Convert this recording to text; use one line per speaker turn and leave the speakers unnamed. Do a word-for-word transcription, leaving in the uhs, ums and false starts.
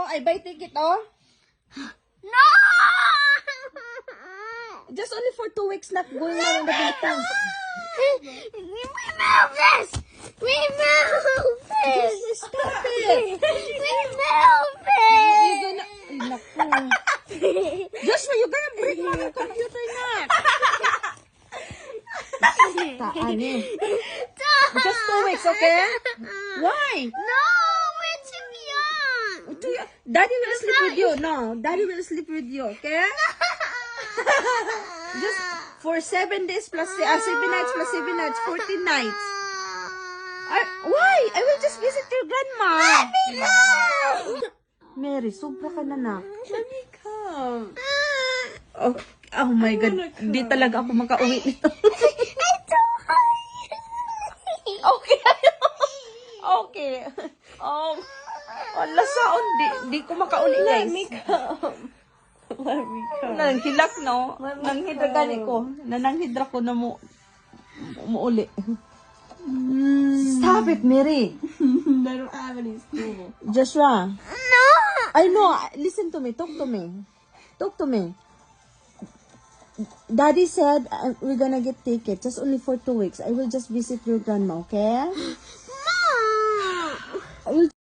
I buy ticket, oh.
No!
Just only for two weeks not going out in the Philippines.
Remove this! Remove this!
Just stop it.
Remove
You're
it!
gonna... Ay, naku. Joshua, you're gonna break my computer na. Taan eh. Just two weeks, okay? Why?
No! We're too young!
Daddy will sleep with you. No, Daddy will sleep with you, okay? Just for seven days plus uh, seven nights plus seven nights, fourteen nights. I, why? I will just visit your grandma. Mary, sobra ka na na.
Let me come.
Oh, oh my God. Di talaga ako makauwi nito. Okay. Okay. Oh, wala saon. Di, di ko makauli, guys.
Let me come. Let me come.
Nanghilak, no? Nanghidra gani ko. Nananghidra ko na mo umuuli. Stop it, Mary.
I don't have any school.
Joshua.
No!
I know. Listen to me. Talk to me. Talk to me. Daddy said uh, we're gonna get tickets just only for two weeks. I will just visit your grandma, okay?
Mom!
I will